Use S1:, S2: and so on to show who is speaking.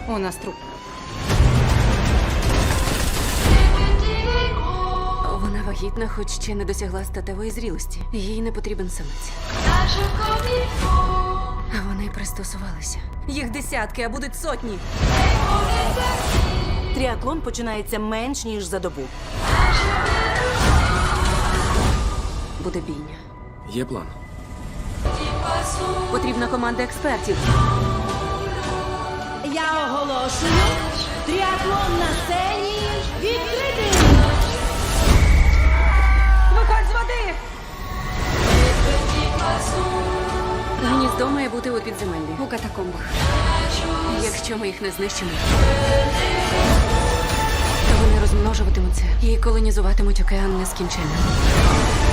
S1: У нас труп.
S2: Вона вагітна, хоч ще не досягла статевої зрілості. Їй не потрібен самець. А вони пристосувалися. Їх десятки, а будуть сотні.
S3: Тріатлон починається менш ніж за добу.
S2: Буде бійня.
S4: Є план.
S2: Потрібна команда експертів.
S3: Я оголошую тріатлон на сцені відкритий!
S2: Виходь з води! Гніздо має бути у підземеллі.
S1: У катакомбах.
S2: Якщо ми їх не знищимо, то вони розмножуватимуться і колонізуватимуть океан нескінченно.